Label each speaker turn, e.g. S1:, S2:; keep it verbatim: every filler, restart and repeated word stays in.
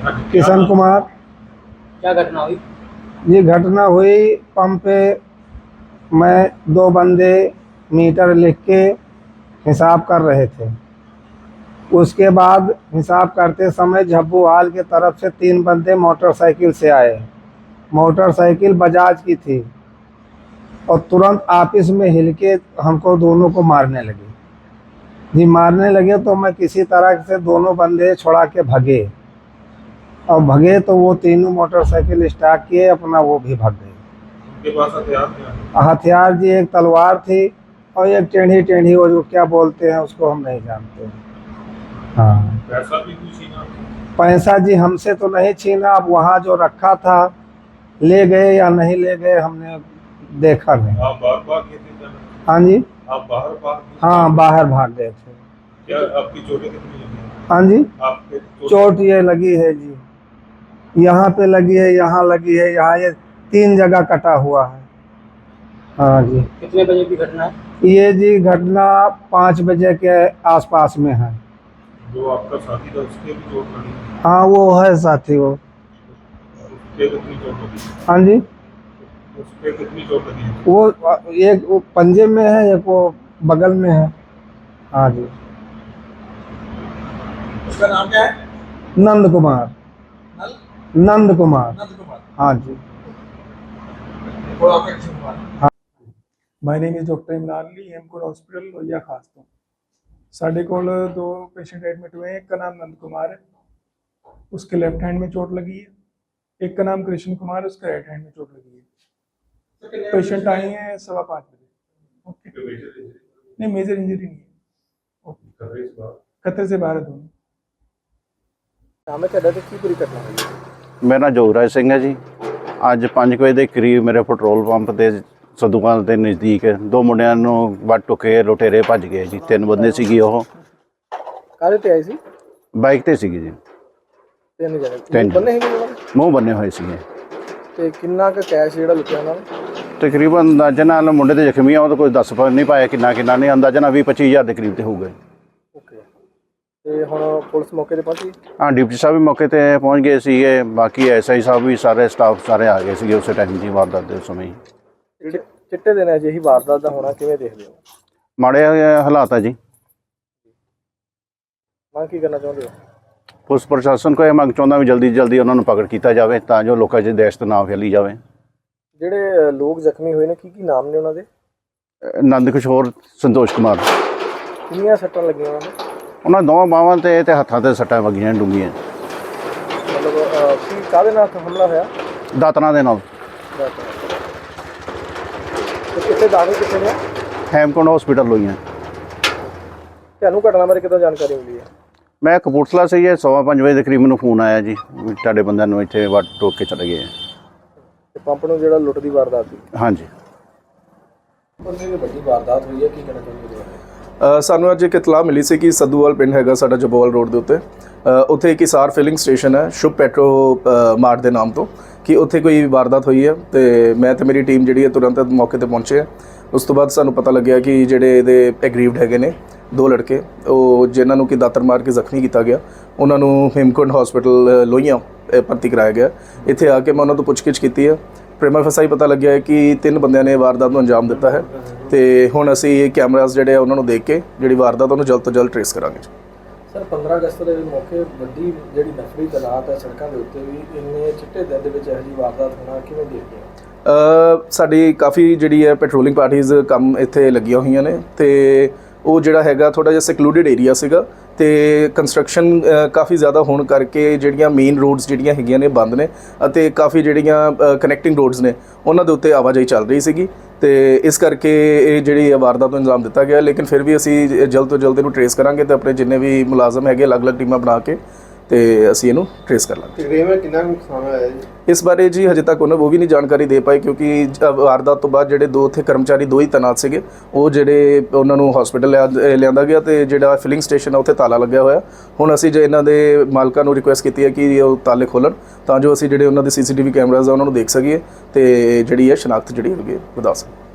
S1: किशन कुमार।
S2: क्या घटना हुई?
S1: ये घटना हुई पंप पे, मैं दो बंदे मीटर लिख के हिसाब कर रहे थे। उसके बाद हिसाब करते समय झब्बू हाल की तरफ से तीन बंदे मोटरसाइकिल से आए। मोटरसाइकिल बजाज की थी और तुरंत आपस में हिल के हमको दोनों को मारने लगे। जी मारने लगे तो मैं किसी तरह से दोनों बंदे छुड़ा के भगे और भगे तो वो तीनों मोटरसाइकिल स्टार्ट किए अपना, वो भी भाग गए।
S3: उनके पास हथियार क्या?
S1: हथियार जी एक तलवार थी और एक टेढ़ी टेढ़ी, वो जो क्या बोलते हैं उसको हम नहीं जानते। हाँ,
S3: पैसा भी कुछ छीना?
S1: पैसा जी हमसे तो नहीं छीना, अब वहाँ जो रखा था ले गए या नहीं ले गए हमने देखा नहीं।
S3: आप बाहर भाग गए थे?
S1: हाँ जी,
S3: आप बाहर भाग गए?
S1: हाँ बाहर भाग गए थे।
S3: क्या आपकी चोटें कितनी लगी?
S1: हाँ जी,
S3: आपके
S1: चोट ये लगी है जी, यहाँ पे लगी है, यहाँ लगी है, यहाँ ये तीन जगह कटा हुआ है। हाँ जी।
S2: कितने बजे की घटना है?
S1: ये जी घटना पाँच बजे के आसपास में है।
S3: जो आपका साथी था उसके भी चोट लगी?
S1: हाँ वो है साथी, वो
S3: उसके कितनी चोट लगी?
S1: हाँ जी,
S3: उसके कितनी चोट लगी?
S1: वो एक वो पंजे में है, एक वो बगल में है। हाँ जी।
S3: उसका नाम क्या है?
S1: नंद कुमार।
S3: नल?
S1: नंद कुमार।
S3: नंद कुमार।
S1: हाँ जी।
S3: वो आपका किशन कुमार।
S1: हाँ।
S4: My name is doctor Imran Ali, Hemkund hospital Lohia Khas ਤੋਂ ਸਾਡੇ ਕੋਲ दो पेशेंट एडमिट हुए हैं। एक का नाम नंद कुमार है, उसके लेफ्ट हैंड में चोट लगी है। एक का नाम कृष्ण कुमार है, उसके राइट हैंड में चोट लगी है। पेशेंट आए हैं सवा पाँच बजे। ओके, नहीं मेजर इंजरी नहीं है। ओके, खतरे से बाहर है दोनों।
S2: ਨਾਮ ਹੈ ਤੁਹਾਡਾ ਤੇ ਕੀ ਪੂਰੀ ਘਟਨਾ ਹੋਈ?
S5: ਮੇਰਾ ਨਾਂ ਜੋਗਰਾਜ ਸਿੰਘ ਹੈ ਜੀ। ਅੱਜ ਪੰਜ ਵਜੇ ਦੇ ਕਰੀਬ ਮੇਰੇ ਪੈਟਰੋਲ ਪੰਪ ਤੇ ਸਦੂਕਾਂ ਦੇ ਨਜ਼ਦੀਕ ਦੋ ਮੁੰਡਿਆਂ ਨੂੰ ਵੱਟ ਟੁਕੇ ਲੁਟੇਰੇ ਭੱਜ ਗਏ ਜੀ। ਤਿੰਨ ਬੰਦੇ ਸੀਗੇ, ਉਹ
S2: ਕਾਹਦੇ ਤੇ ਆਏ ਸੀ?
S5: ਬਾਈਕ ਤੇ ਸੀਗੇ ਜੀ।
S2: ਤਿੰਨ ਜਣੇ
S5: ਤਿੰਨ
S2: ਬੰਨੇ ਹੈਗੇ ਉਹਨਾਂ ਦੇ?
S5: ਮੂੰਹ ਬੰਨੇ ਹੋਏ ਸੀਗੇ।
S2: ਤੇ ਕਿੰਨਾ ਕੁ ਕੈਸ਼ ਜਿਹੜਾ ਲੁੱਟਿਆ ਉਹਨਾਂ ਨੇ?
S5: ਤਕਰੀਬਨ ਅੰਦਾਜ਼ਾ ਨਾਲ ਮੁੰਡੇ ਤੇ ਜ਼ਖਮੀ ਆ, ਉਹ ਤਾਂ ਕੋਈ ਦੱਸ ਪਾ ਨਹੀਂ ਪਾਇਆ ਕਿੰਨਾ ਕਿੰਨਾ ਨਹੀਂ, ਅੰਦਾਜ਼ਾ ਨਾਲ ਵੀਹ ਪੱਚੀ ਹਜ਼ਾਰ ਦੇ ਕਰੀਬ ਤੇ ਹੋਊਗਾ।
S2: ਓਕੇ, ਤੇ ਹੁਣ ਪੁਲਿਸ ਮੌਕੇ ਤੇ ਪਹੁੰਚੀ?
S5: ਹਾਂ, ਡਿਪਟੀ ਸਾਹਿਬ ਵੀ ਮੌਕੇ ਤੇ ਪਹੁੰਚ ਗਏ ਸੀਗੇ, ਬਾਕੀ ਐਸ ਆਈ ਸਾਹਿਬ ਵੀ, ਸਾਰੇ ਸਟਾਫ ਸਾਰੇ ਆ ਗਏ ਸੀਗੇ ਉਸੇ ਟਾਈਮ ਦੀ ਵਾਰਦਾਤ ਦੇ ਸਮੇਂ ਹੀ।
S2: ਚਿ- ਚਿੱਟੇ ਦਿਨ ਅਜਿਹੀ ਵਾਰਦਾਤ ਦਾ ਹੋਣਾ ਕਿਵੇਂ ਦੇਖਦੇ ਹੋ?
S5: ਮਾੜੇ ਹਾਲਾਤ ਆ ਜੀ।
S2: ਮੰਗ ਕੀ ਕਰਨਾ ਚਾਹੁੰਦੇ ਹੋ?
S5: ਪੁਲਿਸ ਪ੍ਰਸ਼ਾਸਨ ਕੋਲ ਇਹ ਮੰਗ ਚਾਹੁੰਦਾ ਵੀ ਜਲਦੀ ਜਲਦੀ ਉਹਨਾਂ ਨੂੰ ਪਕੜ ਕੀਤਾ ਜਾਵੇ ਤਾਂ ਜੋ ਲੋਕਾਂ 'ਚ ਦਹਿਸ਼ਤ ਨਾ ਫੈਲੀ ਜਾਵੇ।
S2: ਜਿਹੜੇ ਅ, ਲੋਕ ਜ਼ਖਮੀ ਹੋਏ ਨੇ ਕੀ ਕੀ ਨਾਮ ਨੇ ਉਹਨਾਂ ਦੇ?
S5: ਅਹ ਨੰਦ ਕਿਸ਼ੋਰ, ਸੰਤੋਸ਼ ਕੁਮਾਰ।
S2: ਕਿੰਨੀਆਂ ਸੱਟਾਂ ਲੱਗੀਆਂ ਉਹਨਾਂ ਨੂੰ?
S5: ਉਹਨਾਂ ਦੋਵਾਂ ਬਾਹਾਂ ਤੇ ਤੇ ਹੱਥਾਂ ਤੇ ਸੱਟਾਂ ਵੱਜੀਆਂ ਡੂੰਘੀਆਂ,
S2: ਮਤਲਬ ਅ, ਕੀ ਕਾਹਦੇ ਨਾਲ ਹਮਲਾ ਹੋਇਆ?
S5: ਦਾਤਰਾਂ ਦੇ ਨਾਲ।
S2: ਤੇ ਕਿੱਥੇ ਦਾਖਲ ਕਿੱਥੇ ਨੇ?
S5: ਹੈਮਕੁੰਡ ਹਸਪੀਟਲ ਲੋਈਆਂ।
S2: ਤੁਹਾਨੂੰ ਘਟਨਾ ਬਾਰੇ ਕਿੱਦਾਂ ਜਾਣਕਾਰੀ ਮਿਲੀ ਹੈ?
S5: ਮੈਂ ਕਪੂਰਥਲਾ ਸੇ ਇਹ ਸਵਾ ਪੰਜ ਵਜੇ ਦੇ ਕਰੀਬ ਮੈਨੂੰ ਫੋਨ ਆਇਆ ਜੀ ਵੀ ਤੁਹਾਡੇ ਬੰਦਿਆਂ ਨੂੰ ਇੱਥੇ ਵੱਟ ਟੋਕ ਕੇ ਚਲੇ ਗਏ ਆ।
S2: ਤੇ ਪੰਪ ਨੂੰ ਜਿਹੜਾ ਲੁੱਟ ਦੀ ਵਾਰਦਾਤ ਸੀ,
S5: ਹਾਂਜੀ।
S2: ਉਹਨੇ ਵੀ ਵੱਡੀ ਵਾਰਦਾਤ ਹੋਈ ਹੈ, ਕੀ ਕਹਿਣਾ ਚਾਹੁੰਦੇ ਹੋ?
S6: ਅ, ਸਾਨੂੰ ਅੱਜ ਇੱਕ ਇਤਲਾਹ ਮਿਲੀ ਸੀ ਕਿ ਸੱਦੂਵਾਲ ਪਿੰਡ ਹੈਗਾ ਸਾਡਾ ਜਬੋਵਾਲ ਰੋਡ ਦੇ ਉੱਤੇ, ਅ, ਉੱਥੇ ਇੱਕ ਹਿਸਾਰ ਫਿਲਿੰਗ ਸਟੇਸ਼ਨ ਹੈ ਸ਼ੁਭ ਪੈਟਰੋ ਅ, ਮਾਰਟ ਦੇ ਨਾਮ ਤੋਂ, ਕਿ ਉੱਥੇ ਕੋਈ ਵਾਰਦਾਤ ਹੋਈ ਹੈ। ਤੇ ਮੈਂ ਤੇ ਮੇਰੀ ਟੀਮ ਜਿਹੜੀ ਹੈ ਤੁਰੰਤ ਮੌਕੇ ਤੇ ਪਹੁੰਚੇ ਹੈ। ਉਸ ਤੋਂ ਬਾਅਦ ਸਾਨੂੰ ਪਤਾ ਲੱਗਿਆ ਕਿ ਜਿਹੜੇ ਇਹਦੇ ਐਗਰੀਵਡ ਹੈਗੇ ਨੇ ਦੋ ਲੜਕੇ, ਉਹ ਜਿਨ੍ਹਾਂ ਨੂੰ ਕਿ ਦਾਤਰ ਮਾਰ ਕੇ ਜ਼ਖਮੀ ਕੀਤਾ ਗਿਆ, ਉਹਨਾਂ ਨੂੰ ਹੇਮਕੁੰਡ ਹਸਪੀਟਲ ਲੋਹੀਆਂ ਭਰਤੀ ਕਰਾਇਆ ਗਿਆ। ਇੱਥੇ ਆ ਕੇ ਮੈਂ ਉਹਨਾਂ ਤੋਂ ਪੁੱਛਗਿੱਛ ਕੀਤੀ ਹੈ। ਪ੍ਰੇਮਾ ਫਸਾਈ ਪਤਾ ਲੱਗਿਆ ਹੈ ਕਿ ਤਿੰਨ ਬੰਦਿਆਂ ਨੇ ਵਾਰਦਾਤ ਨੂੰ ਅੰਜਾਮ ਦਿੱਤਾ ਹੈ ਤੇ ਹੁਣ ਅਸੀਂ ਕੈਮਰਾਜ਼ ਜਿਹੜੇ ਆ ਉਹਨਾਂ ਨੂੰ ਦੇਖ ਕੇ ਜਿਹੜੀ ਵਾਰਦਾਤ ਉਹਨੂੰ ਜਲਦ ਤੋਂ ਜਲਦ ਟ੍ਰੇਸ ਕਰਾਂਗੇ।
S2: ਸਰ, ਪੰਦਰਾਂ ਅਗਸਤ ਦੇ ਮੌਕੇ ਵੱਡੀ ਜਿਹੜੀ ਨਫਰੀ ਤਨਾਤ ਹੈ ਸੜਕਾਂ ਦੇ ਉੱਤੇ ਵੀ, ਇੰਨੇ ਚਿੱਟੇ ਦਿਨ ਦੇ ਵਿੱਚ ਇਹੋ ਜਿਹੀ ਵਾਰਦਾਤ ਹੋਣਾ ਕਿਵੇਂ ਦੇਖਦੇ ਹੋ?
S6: ਅ, ਸਾਡੀ ਕਾਫੀ ਜਿਹੜੀ ਹੈ ਪੈਟਰੋਲਿੰਗ ਪਾਰਟੀਜ਼ ਕੰਮ ਇੱਥੇ ਲੱਗੀਆਂ ਹੋਈਆਂ ਨੇ ਤੇ ਉਹ ਜਿਹੜਾ ਹੈਗਾ ਥੋੜ੍ਹਾ ਜਿਹਾ ਸੈਕਲੂਡਡ ਏਰੀਆ ਸੀਗਾ ਤੇ ਕੰਸਟਰਕਸ਼ਨ ਕਾਫੀ ਜ਼ਿਆਦਾ ਹੋਣ ਕਰਕੇ ਜਿਹੜੀਆਂ ਮੇਨ ਰੋਡਸ ਜਿਹੜੀਆਂ ਹੈਗੀਆਂ ਨੇ ਬੰਦ ਨੇ ਅਤੇ ਕਾਫੀ ਜਿਹੜੀਆਂ ਕਨੈਕਟਿੰਗ ਰੋਡਸ ਨੇ ਉਹਨਾਂ ਦੇ ਉੱਤੇ ਆਵਾਜਾਈ ਚੱਲ ਰਹੀ ਸੀਗੀ ਤੇ ਇਸ ਕਰਕੇ ਇਹ ਜਿਹੜੀ ਵਾਰਦਾਤ ਨੂੰ ਅੰਜਾਮ ਦਿੱਤਾ ਗਿਆ। ਲੇਕਿਨ ਫਿਰ ਵੀ ਅਸੀਂ ਜਲਦ ਤੋਂ ਜਲਦ ਇਹਨੂੰ ਟ੍ਰੇਸ ਕਰਾਂਗੇ ਤੇ ਆਪਣੇ ਜਿੰਨੇ ਵੀ ਮੁਲਾਜ਼ਮ ਹੈਗੇ ਅਲੱਗ-ਅਲੱਗ ਟੀਮਾਂ ਬਣਾ ਕੇ ਤੇ ਅਸੀਂ ਇਹਨੂੰ ਟ੍ਰੇਸ ਕਰ ਲਾਂਗੇ।
S2: ਤਕਰੀਬਨ ਕਿੰਨਾ ਨੁਕਸਾਨ ਹੋਇਆ ਜੀ?
S6: ਇਸ ਬਾਰੇ ਜੀ ਹਜੇ ਤੱਕ ਉਹਨਾਂ ਉਹ ਵੀ ਨਹੀਂ ਜਾਣਕਾਰੀ ਦੇ ਪਾਏ ਕਿਉਂਕਿ ਵਾਰਦਾਤ ਤੋਂ ਬਾਅਦ ਜਿਹੜੇ ਦੋ ਉੱਥੇ ਕਰਮਚਾਰੀ ਦੋ ਹੀ ਤੈਨਾਤ ਸੀਗੇ, ਉਹ ਜਿਹੜੇ ਉਹਨਾਂ ਨੂੰ ਹਸਪੀਟਲ ਲਿਆਂਦਾ ਗਿਆ ਤੇ ਜਿਹੜਾ ਫਿਲਿੰਗ ਸਟੇਸ਼ਨ ਆ ਉੱਥੇ ਤਾਲਾ ਲੱਗਿਆ ਹੋਇਆ। ਹੁਣ ਅਸੀਂ ਜੇ ਇਹਨਾਂ ਦੇ ਮਾਲਕਾਂ ਨੂੰ ਰਿਕੁਐਸਟ ਕੀਤੀ ਹੈ ਕਿ ਉਹ ਤਾਲੇ ਖੋਲ੍ਹਣ ਤਾਂ ਜੋ ਅਸੀਂ ਜਿਹੜੇ ਉਹਨਾਂ ਦੇ ਸੀ ਸੀ ਟੀ ਵੀ ਕੈਮਰਾਜ਼ ਆ ਉਹਨਾਂ ਨੂੰ ਦੇਖ ਸਕੀਏ ਤੇ ਜਿਹੜੀ ਹੈ ਸ਼ਨਾਖਤ ਜਿਹੜੀ ਹੈਗੀ ਵਧਾ ਸਕੀਏ।